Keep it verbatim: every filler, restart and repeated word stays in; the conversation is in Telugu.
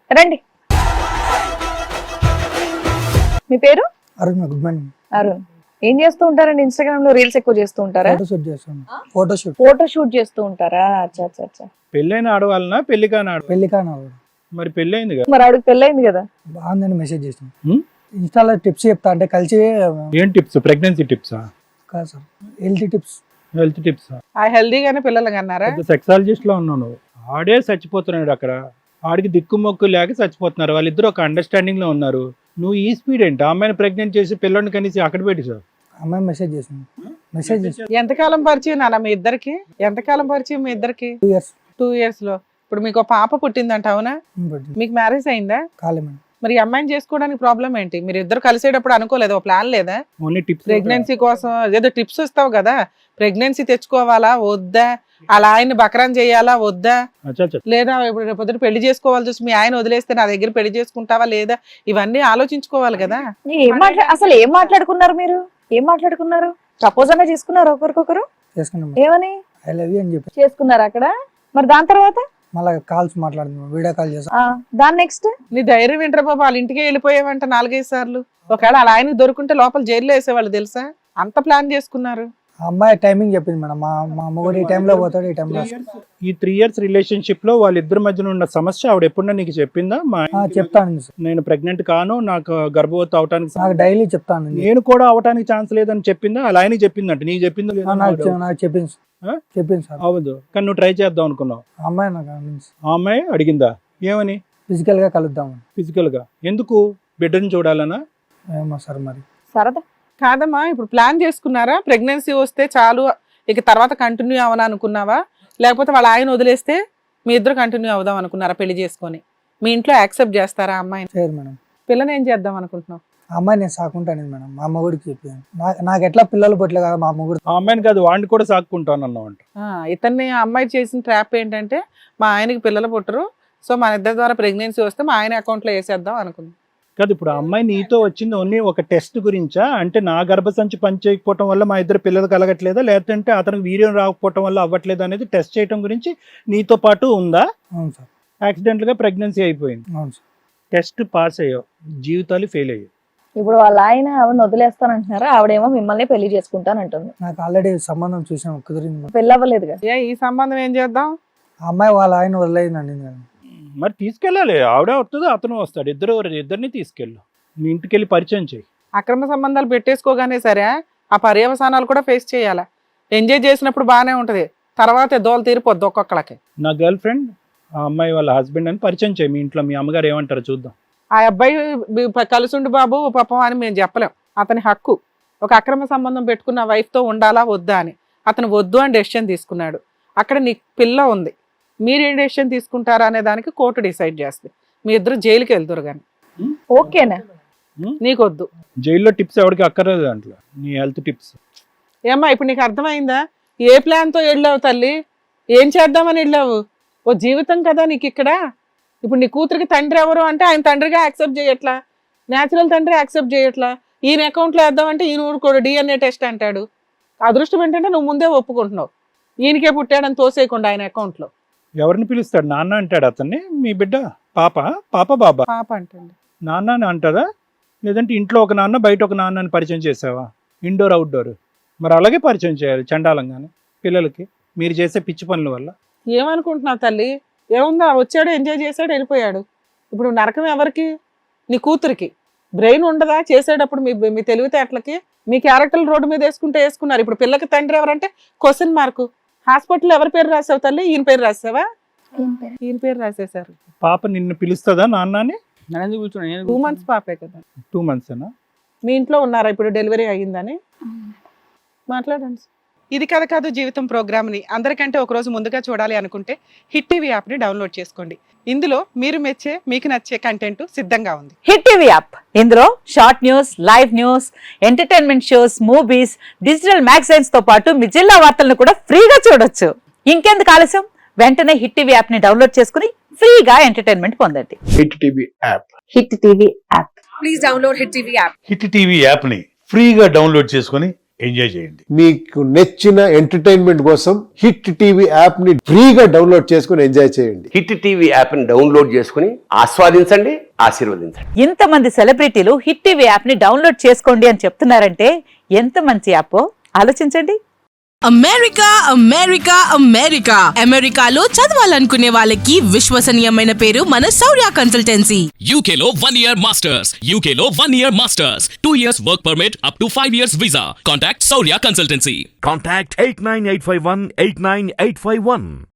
రండి. మీ పేరు? అరుణ్. Good morning. అరుణ్. ఏం చేస్తూ ఉంటారండి? ఇన్స్టాగ్రామ్ లో రీల్స్ ఎక్కువ చేస్తూ ఉంటారా? ఫోటో షూట్ చేస్తాను. ఫోటో షూట్ ఫోటో షూట్ చేస్తూ ఉంటారా? అచ్చా అచ్చా అచ్చా. పెళ్ళైన ఆడవాళ్ళనా పెళ్లి కాని ఆడవాళ్ళ? పెళ్లి కాను. మరి పెళ్ళైంది కదా, మరి ఆవిడకి పెళ్ళైంది కదా. బాగుందని మెసేజ్ చేసాను. హ్మ్? ఇన్స్టాలో టిప్స్ చెప్తా అంటే కలిసి ఏం టిప్స్? ప్రెగ్నెన్సీ టిప్సా? కాదు సార్, హెల్త్ టిప్స్. హెల్త్ టిప్సా? ఆ హెల్దీగానే పిల్లలు కన్నారా? సెక్సాలజిస్ట్ లో ఉన్నాను. ఆడే చచ్చిపోతున్నాడు అక్కడ, ఆడికి దిక్కు మొక్కు లేక చచ్చిపోతున్నారు. వాళ్ళిద్దరు ఒక అండర్స్టాండింగ్ లో ఉన్నారు. నువ్వు ఈ స్పీడ్ ఏంటి? ఆ అమ్మాయిని ప్రెగ్నెంట్ చేసి పిల్లని కనీసి అక్కడ పెట్టి సార్. అమ్మాయి మెసేజ్ చేసింది. మెసేజ్ చేసి ఎంతకాలం పరిచయం నాన్న మీ ఇద్దరికి? ఎంతకాలం పరిచయం మీ ఇద్దరికి? టూ ఇయర్స్ టూ ఇయర్స్ లో ఇప్పుడు మీకు ఒక పాప పుట్టిందంట, అవునా? మీకు మ్యారేజ్ అయిందా? కాలే మేడం. మరి ఈ అమ్మాయిని చేసుకోవడానికి ప్రాబ్లం ఏంటి? మీరు ఇద్దరు కలిసేటప్పుడు అనుకోలేదు, ఒక ప్లాన్ లేదా? Only tips. ప్రెగ్నెన్సీ కోసం ఏదో టిప్స్ ఇస్తావు కదా, ప్రెగ్నెన్సీ తెచ్చుకోవాలా వద్దా, అలా ఆయన బకరాన్ చేయాలా వద్దా, లేదా ఇప్పుడు రేపు పొద్దున పెళ్లి చేసుకోవాలి చూసి మీ ఆయన వదిలేస్తే నా దగ్గర పెళ్లి చేసుకుంటావా లేదా, ఇవన్నీ ఆలోచించుకోవాలి కదా. ఏం మాట్లా అసలు ఏం మాట్లాడుకున్నారు మీరు? ఏం మాట్లాడుకున్నారు? ప్రపోజ్ అన్నా చేసుకున్నారు ఒకరికొకరు? చేసుకున్నాం. ఏమని ఐ లవ్ యూ అని చెప్పి చేసుకున్నారు అక్కడ? మరి దాని తర్వాత మళ్ళీ కాల్స్ మాట్లాడుతున్నాం, వీడియో కాల్ చేసాం. ఆ, దాని నెక్స్ట్ నీ ధైర్యం ఏంట్రా బాబా, వాళ్ళ ఇంటికే వెళ్ళిపోయావంట నాలుగైదు సార్లు. ఒకవేళ అలా ఆయనకు దొరుకుంటే లోపల జైల్లో వేసేవాళ్ళు తెలుసా? అంత ప్లాన్ చేసుకున్నారు. ఆ అమ్మాయి టైమింగ్ చెప్పింది మేడం. మా మా మొగుడు ఈ టైంలో పోతాడు, ఈ టైంలో ఈ త్రీ ఇయర్స్ రిలేషన్షిప్ లో వాళ్ళిద్దరి మధ్యన ఉన్న సమస్య ఆవిడ ఎప్పుడన్నా నీకు చెప్పిందా? మా చెప్తాను సార్. నేను ప్రెగ్నెంట్ కాను, నాకు గర్భవతి అవటానికి నాకు డైలీ చెప్తాను. నేను కూడా అవటానికి ఛాన్స్ లేదని చెప్పిందా? అలా ఆయనకి చెప్పిందంట, నీకు చెప్పిందో ఆ, లేదా? నాకు చె- నాకు చెప్పింది సార్. ఆ? చెప్పింది సార్. అవదు, కానీ నువ్వు ట్రై చేద్దాం అనుకున్నావు. ఆ అమ్మాయి నాకు అనిపించింది. ఆ అమ్మాయి అడిగిందా ఏమని? ఫిజికల్ గా కలుద్దామని. ఫిజికల్ గా ఎందుకు? బిడ్డను చూడాలనా? ఏమో సార్ మరి. సరదా. కాదమ్మా, ఇప్పుడు ప్లాన్ చేసుకున్నారా? ప్రెగ్నెన్సీ వస్తే చాలు ఇక తర్వాత కంటిన్యూ అవ్వను అనుకున్నావా, లేకపోతే వాళ్ళ ఆయన వదిలేస్తే మీ ఇద్దరు కంటిన్యూ అవుదాం అనుకున్నారా పెళ్లి చేసుకొని? మీ ఇంట్లో యాక్సెప్ట్ చేస్తారా అమ్మాయిని? చేయరు మేడం. పిల్లని ఏం చేద్దాం అనుకుంటున్నావు? ఆ అమ్మాయి నేను సాకుంటాను మేడం. మా మొగుడికి చెప్పాను. నా- నాకు ఎట్లా పిల్లలు పుట్టలే కదా, మా మొగుడు. ఆ అమ్మాయిని కాదు, వాడిని కూడా సాక్కుంటాను అన్నావు అంట. ఆ, ఇతన్ని ఆ అమ్మాయి చేసిన ట్రాప్ ఏంటంటే మా ఆయనకి పిల్లలు పుట్టరు, సో మన ఇద్దరి ద్వారా ప్రెగ్నెన్సీ వస్తే మా ఆయన అకౌంట్లో వేసేద్దాం అనుకుంది. కాదు, ఇప్పుడు ఆ అమ్మాయి నీతో వచ్చింది ఓన్లీ ఒక టెస్ట్ గురించా? అంటే నా గర్భసంచి పని చేయకపోవటం వల్ల మా ఇద్దరు పిల్లలు కలగట్లేదా, లేదంటే అతనికి వీర్యం రాకపోవటం వల్ల అవ్వట్లేదు అనేది టెస్ట్ చేయడం గురించి నీతో పాటు ఉందా? అవును సార్. యాక్సిడెంట్ గా ప్రెగ్నెన్సీ అయిపోయింది, అవును సార్. టెస్ట్ పాస్ అయ్యావు, జీవితాలు ఫెయిల్ అయ్యావు. ఇప్పుడు వాళ్ళ ఆయన ఆవిడని వదిలేస్తానంటున్నారా? ఆవిడేమో మిమ్మల్ని పెళ్లి చేసుకుంటానంటుంది. నాకు ఆల్రెడీ సంబంధం చూసాం, కుదిరింది మేడం. పెళ్ళి అవ్వలేదుగా. ఏ ఈ సంబంధం ఏం చేద్దాం? ఆ అమ్మాయి వాళ్ళ ఆయన వదిలేదండి మేడం. మరి తీసుకెళ్ళాలి, ఆవిడే వస్తుంది అతను వస్తాడు, ఇద్దరు ఇద్దరిని తీసుకెళ్ళు, మీ ఇంటికి వెళ్ళి పరిచయం చేయి. అక్రమ సంబంధాలు పెట్టేసుకోగానే సరే ఆ పర్యవసానాలు కూడా ఫేస్ చేయాలా. ఎంజాయ్ చేసినప్పుడు బాగానే ఉంటది, తర్వాత దోలు తీరిపోద్ది ఒక్కొక్కళ్ళకి. నా గర్ల్ ఫ్రెండ్ ఆ అమ్మాయి వాళ్ళ హస్బెండ్ అని పరిచయం చేయి, మీ ఇంట్లో మీ అమ్మగారు ఏమంటారో చూద్దాం. ఆ అబ్బాయి బి- కలిసుండి బాబు పాపం అని మేము చెప్పలేం, అతని హక్కు. ఒక అక్రమ సంబంధం పెట్టుకున్న wife తో ఉండాలా వద్దా అని అతను వద్దు అని డెసిషన్ తీసుకున్నాడు. అక్కడ నీకు పిల్ల ఉంది, మీరేం డెసిషన్ తీసుకుంటారా అనే దానికి కోర్టు డిసైడ్ చేస్తుంది. మీ ఇద్దరు జైలుకి వెళ్తారు కానీ ఓకేనా? నీకొద్దు. జైల్లో టిప్స్ ఎవరికి అక్కర్లేదు దాంట్లో, నీ హెల్త్ టిప్స్. ఏమ్మా ఇప్పుడు నీకు అర్థమైందా? ఏ ప్లాన్తో వెళ్ళావు తల్లి? ఏం చేద్దామని వెళ్ళావు? ఓ జీవితం కదా నీకు ఇక్కడ. ఇప్పుడు నీ కూతురికి తండ్రి ఎవరు అంటే ఆయన తండ్రిగా యాక్సెప్ట్ చేయట్లా, న్యాచురల్ తండ్రి యాక్సెప్ట్ చేయట్లా. ఈయన అకౌంట్లో వేద్దామంటే ఈయన ఊరుకోడు, డిఎన్ఏ టెస్ట్ అంటాడు. అదృష్టం ఏంటంటే నువ్వు ముందే ఒప్పుకుంటున్నావు, ఈయనకే పుట్టాడని తోసేయకుండా ఆయన అకౌంట్లో. ఎవరిని పిలుస్తాడు? నాన్న అంటాడు అతన్ని. మీ బిడ్డ పాప పాప బాబా పాప అంటండి. నాన్న అని అంటారా? లేదంటే ఇంట్లో ఒక నాన్న బయట ఒక నాన్న అని పరిచయం చేసావా? Indoor outdoor. మరి అలాగే పరిచయం చేయాలి చండాలంగానే పిల్లలకి, మీరు చేసే పిచ్చి పనుల వల్ల. ఏమనుకుంటున్నావు తల్లి? ఏముందా, వచ్చాడు ఎంజాయ్ చేశాడు వెళ్ళిపోయాడు. ఇప్పుడు నరకం ఎవరికి? నీ కూతురికి. బ్రెయిన్ ఉండదా చేసేటప్పుడు? మీ మీ తెలివితేటలకి మీ క్యారెక్టర్ రోడ్డు మీద వేసుకుంటే వేసుకున్నారు. ఇప్పుడు పిల్లకి తండ్రి ఎవరంటే క్వశ్చన్ మార్కు. హాస్పిటల్ ఎవరి పేరు రాసావు తల్లి? ఈయన పేరు రాసావా? ఈయన పేరు రాసేసారు. పాప నిన్ను పిలుస్తుందా నాన్న అని? టూ మంత్స్ పాపే కదా. టూ మంత్స్ అనా? మీ ఇంట్లో ఉన్నారా ఇప్పుడు డెలివరీ అయ్యిందని? మాట్లాడండి. ఇది కథ కాదు జీవితం ప్రోగ్రామ్ని అందరికంటే ఒక రోజు ముందుగా చూడాలి అనుకుంటే హిట్ టీవీ యాప్ని డౌన్లోడ్ చేసుకోండి. ఇందులో మీరు మెచ్చే మీకు నచ్చే కంటెంట్ సిద్ధంగా ఉంది. హిట్ టీవీ యాప్, ఇందులో short news, live news, entertainment shows, movies, digital magazines తో పాటు మీ జిల్లా వార్తలను కూడా ఫ్రీగా చూడొచ్చు. ఇంకెందుకు ఆలస్యం, వెంటనే హిట్ టీవీ యాప్ ని డౌన్లోడ్ చేసుకుని ఫ్రీగా ఎంటర్టైన్మెంట్ పొందండి. Hit TV app. Hit TV app. Please download Hit TV app. Hit TV యాప్ని ఫ్రీగా డౌన్లోడ్ చేసుకొని ఎంజాయ్ చేయండి. మీకు నచ్చిన ఎంటర్టైన్మెంట్ కోసం హిట్ టీవీ యాప్ ని ఫ్రీగా డౌన్లోడ్ చేసుకుని ఎంజాయ్ చేయండి. హిట్ టీవీ యాప్ ని డౌన్లోడ్ చేసుకుని ఆస్వాదించండి, ఆశీర్వదించండి. ఇంతమంది సెలబ్రిటీలు హిట్ టీవీ యాప్ ని డౌన్లోడ్ చేసుకోండి అని చెప్తున్నారంటే ఎంత మంచి యాప్ ఆలోచించండి. అమెరికా అమెరికా అమెరికా అమెరికాలో చదవాలనుకునే వాళ్ళకి విశ్వసనీయమైన పేరు మన శౌర్య కన్సల్టెన్సీ. యూకేలో వన్ ఇయర్ మాస్టర్స్, యూకేలో one year masters, two years work permit up to five years visa. Contact Shaurya consultancy. Contact eight nine eight five one eight nine eight five one.